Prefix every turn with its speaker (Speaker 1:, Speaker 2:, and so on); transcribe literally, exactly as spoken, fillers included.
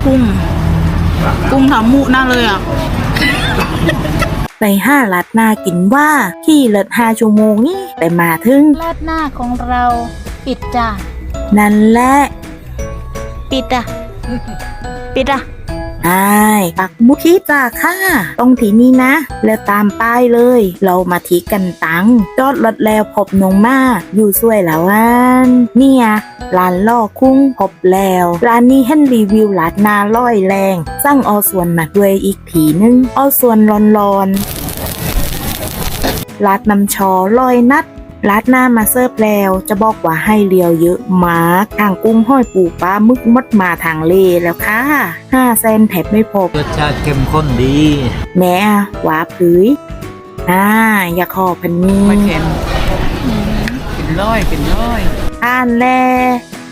Speaker 1: กุ้งกุ้งทำมุน่าเลยอ่ะ
Speaker 2: ไปห้าลัดหน้ากินว่าขี่เลิศห้าชั่วโมงนี่ไปมาถึง
Speaker 1: ราดหน้าของเราปิดจ้ะ
Speaker 2: นั่นแหละ
Speaker 1: ปิดอ่ะปิดอ่ะ
Speaker 2: ไอ้ายปักหมุดที่จ่าค่ะตรงที่นี่นะ แล้วตามป้ายเลย เรามาที่กันตังจอดรถแล้วพบน้องมาอยู่สวยแล้วอันเนี่ยร้านล่อคุ้งพบแล้วร้านนี้เห็นรีวิวลาดหนาร้อยแรงสั่งเอาส่วนมาด้วยอีกผีนึงเอาส่วนร้อนๆลาดน้ำชอร้อยนัดลาดหน้ามาเสิร์ฟแล้วจะบอกว่าให้เลียวเยอะมากทางกุ้งห้อยปูปลามึกมดมาทางเลแล้วค่ะห้าเซนแถบไม่พบ
Speaker 3: รสชาติเข้มข้นดี
Speaker 2: แม่หวาผืยอ่าอย่าขอพันนี้
Speaker 4: ไม่เค็มเป็นร้อยเป็นร้อย
Speaker 2: อ่านแล